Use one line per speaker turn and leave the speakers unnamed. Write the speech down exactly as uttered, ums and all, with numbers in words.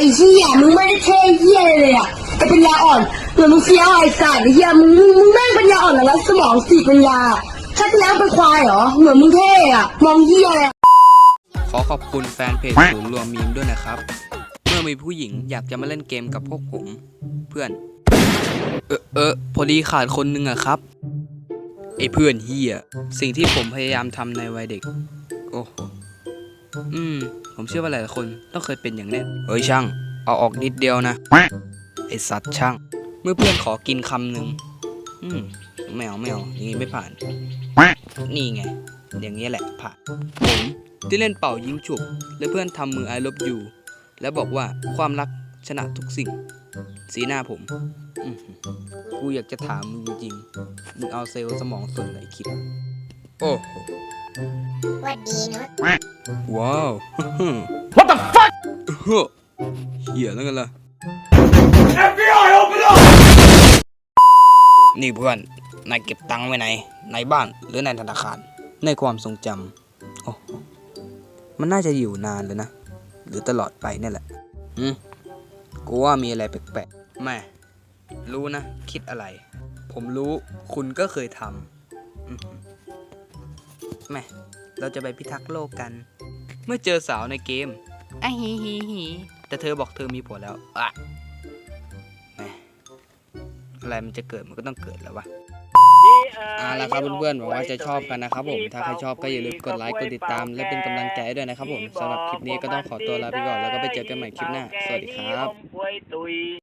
ไอ้เหี้ยมึงไม่ได้เท่เหี้ยเลยอ่ะไอ้ปัญญาอ่อนเหมือนมึงเฟี้ยวไอ้สัตว์ไอ้เหี้ยมึงมึงมึงแม่งปัญญาอ่อนแล้วสมองสีปัญญาชาติแล้วเป็นควายเหรอเหมือนมึงเท่อ่ะมองเหี้ยเลย
ขอขอบคุณแฟนเพจศูนย์รวมมีมด้วยนะครับเมื่อมีผู้หญิงอยากจะมาเล่นเกมกับพวกผมเพื่อนเออเออพอดีขาดคนนึงอะครับไอ้เพื่อนเฮียสิ่งที่ผมพยายามทำในวัยเด็กโอ้โหอืมผมเชื่อว่าหลายๆคนต้องเคยเป็นอย่างแน่เฮ้ยช่างเอาออกนิดเดียวนะไอสัตว์ช่างเมื่อเพื่อนขอกินคำหนึ่งอืมไม่เอาไม่เอาอย่างนี้ไม่ผ่านนี่ไงอย่างนี้แหละผ่านผมที่เล่นเป่ายิงฉุบและเพื่อนทำมือไอลบอยู่แล้วบอกว่าความรักชนะทุกสิ่งสีหน้าผมกูอยากจะถามมึงจริงๆมึงเอาเซลล์สมองส่วนไหนคิดโอ้โหวัดดีเนาะว้าว What the fuck เหี้ยแล้วกันล่ะ เอฟ บี ไอ open up นี่เพื่อนนายเก็บตังค์ไว้ไหนในบ้านหรือในธนาคารในความทรงจำโอ้มันน่าจะอยู่นานเลยนะหรือตลอดไปนี่แหละอืมกูว่ามีอะไรแปลกๆแม่รู้นะคิดอะไรผมรู้คุณก็เคยทำแม่เราจะไปพิทักษ์โลกกันเมื่อเจอสาวในเกมไอฮีฮีฮีแต่เธอบอกเธอมีผัวแล้วอะแม่อะไรมันจะเกิดมันก็ต้องเกิดแล้ววะเอาล่ะครับเพื่อนๆหวังว่าจะชอบกันนะครับผมถ้าใครชอบก็อย่าลืมกดไลค์กดติดตามและเป็นกำลังใจด้วยนะครับผมสำหรับคลิปนี้ก็ต้องขอตัวลาไปก่อนแล้วก็ไปเจอกันใหม่คลิปหน้าสวัสดีครับ